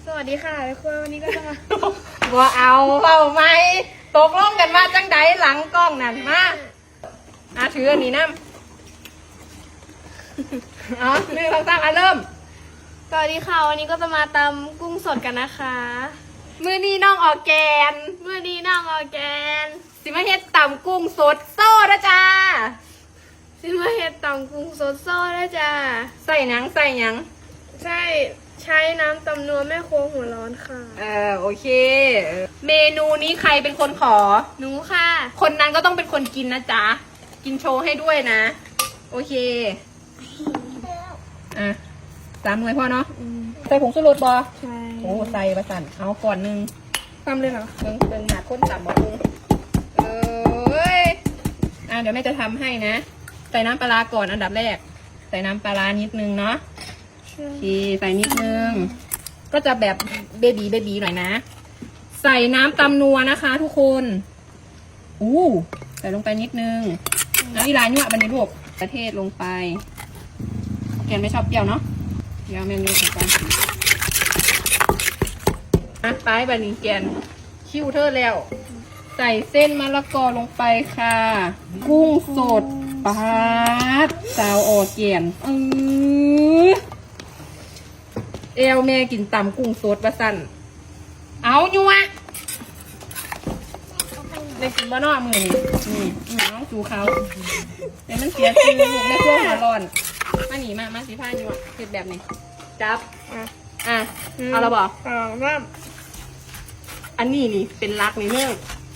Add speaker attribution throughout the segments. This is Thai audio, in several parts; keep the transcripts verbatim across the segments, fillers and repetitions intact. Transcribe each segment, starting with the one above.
Speaker 1: วัสดีค่ะทุกคนวันนี้ก็จะมา
Speaker 2: บ่เอาเอาไหมตกลงกันมาจังใดหลังกล้องนั่นมาอาถืออันนี้น้ำอ๋อหนึ่งสองสามอ่ะเริ่ม
Speaker 1: สวัสดีค่ะวันนี้ก็จะมาตำกุ้งสดกันนะคะ
Speaker 2: มือนี้น้องออร์แกน
Speaker 1: เมื่อนี้น้องออร์แกน
Speaker 2: สิมาเฮ็ดตำกุ้งสดโซ่นะจ้า
Speaker 1: ซิมาเฮ็ดตำกุ้งสดโซ่ด้วยจ้า
Speaker 2: ใส่หยังใส่หยัง
Speaker 1: ใช่ใช้น้ำตำนัวแม่ครัวหัวร้อนค่ะ
Speaker 2: เออโอเคเออเมนูนี้ใครเป็นคนขอ
Speaker 1: หนูค่ะ
Speaker 2: คนนั้นก็ต้องเป็นคนกินนะจ๊ะกินโชว์ให้ด้วยนะ โอเคอ่ะสามหน่วยพ่อเนาะ
Speaker 1: อืม
Speaker 2: ใส่ผงชูรสบอ
Speaker 1: ใช่
Speaker 2: โอ้ใส่ประสันเอาก่อนหนึ่ง
Speaker 1: ตำเลยเหรอ
Speaker 2: เบิ่งเบิ่งหนาข้นต่ำบ่ปรุงเอ้ยอ่ะเดี๋ยวแม่จะทำให้นะ ใส่น้ำปลาร้าก่อนอันดับแรก ใส่น้ำปลาร้านิดนึงเนาะโอเคใส่นิดนึง ก็จะแบบเบบีเบบีหน่อยนะ ใส่น้ำตำนัวนะคะ ทุกคนอู้ใส่ลงไปนิดนึงแล้วอีลายั่วบันนี้ลูกประเทศลงไปแกนไม่ชอบเปรี้ยวเนาะเดี๋ยวแม่งเลือกลงไปอ่ะไปบันนี้แกนคิ้วเธอแล้ว ใส่เส้นมะละกอลงไปค่ะ กุ้งสดปาดสาวออเกียนเออเอลแม่กินตำกุ้งสดประสันเอาอยู่วะได้กินบ้านอกมือนี่นี่น้องจูเขาเดี๋ยวมันเสียชื่อลูกในช่วงหัวร้อนมาหนีมามาสีผ้าอยู่อ่ะเก็บแบบนี้จับ
Speaker 1: อ่ะ
Speaker 2: อ่ะเอาเราบอก
Speaker 1: สองสาม
Speaker 2: อันนี้นี่เป็นรักนี่เนื่อง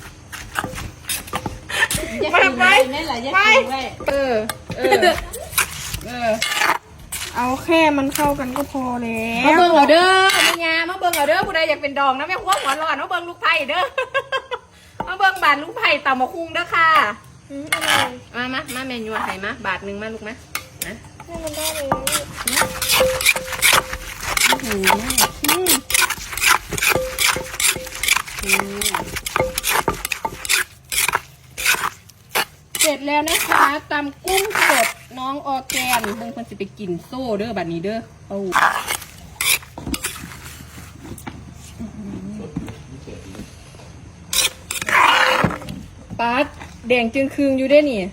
Speaker 1: ไปไปไป
Speaker 2: เออ เออ เออ
Speaker 1: เอาแค่มันเข้ากันก็พอแล้
Speaker 2: มาว เบิ่งเอาเด้อแม่ยามาเบิ่งเอาเด้อผู้ใดอยากเป็นดองนะแม่ครัวหัวร้อนมาเบิ่งลูกไผ่เด้อ มาเบิ่งบาทลูกไผ่ต่ำมาคุงเด้อค่ะ
Speaker 1: อืมอร่อย
Speaker 2: มามามาเมนูไผ่มาบาทหนึ่งมาลูกมานะ
Speaker 1: ให้มันได้เลย
Speaker 2: อืมอืมอืมเสร็จแล้วนะคะตำกุ้งสดน้องออร์แกนเบิ่งคนสิไปกินโซ่เด้อบัดนี้เด้อเอาปัดแดงจึงคืงอยู่ได้นี่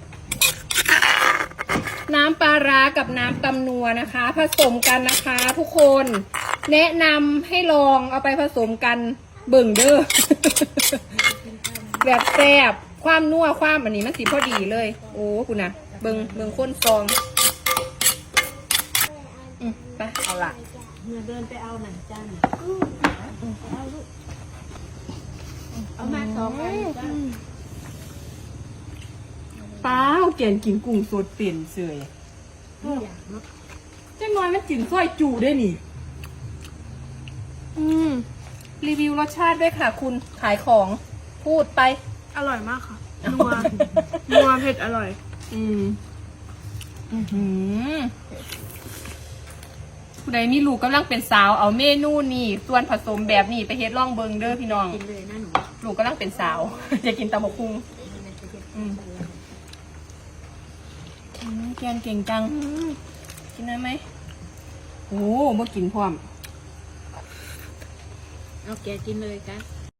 Speaker 2: น้ำปลาร้ากับน้ำตำนัวนะคะ ผสมกันนะคะทุกคน แนะนำให้ลองเอาไปผสมกันเบิ่งเด้อ แบบแซ่บความนัวความอันนี้มันสีพอดีเลย โอ้คุณนะเบิ่งเบิ่งข้นซองอืมไปเอาละ
Speaker 3: เมื่อเดินไปเอาหนังจ้าหนเอาลูกเอามาสองอันจ้า
Speaker 2: ป้าเกณฑ์กินกุ้งสดเปลี่ยนเสย
Speaker 3: อยากเนาะ
Speaker 2: จังน้อยมันกินซอยจูได้นี่
Speaker 1: อืม
Speaker 2: รีวิวรสชาติด้วยค่ะ คุณขายของพูดไป
Speaker 1: อร่อยมากค่ะนัวนัวเผ็ดอร่อย
Speaker 2: อืมอือหือผู้ใดมีลูกกำลังเป็นสาวเอาเมนูนี่ส่วนผสมแบบนี้ไปเฮ็ดล่องเบิงเด้อพี่น้อง
Speaker 3: กินเลยนะหนู
Speaker 2: ลูกกำลังเป็นสาว จะกินตำบักหุ่งอืมอืมแกนเก่งจัง
Speaker 1: อืม
Speaker 2: กินได้ไหมโอ้บ่กินพร้อม
Speaker 3: เอาแกกินเลยกัน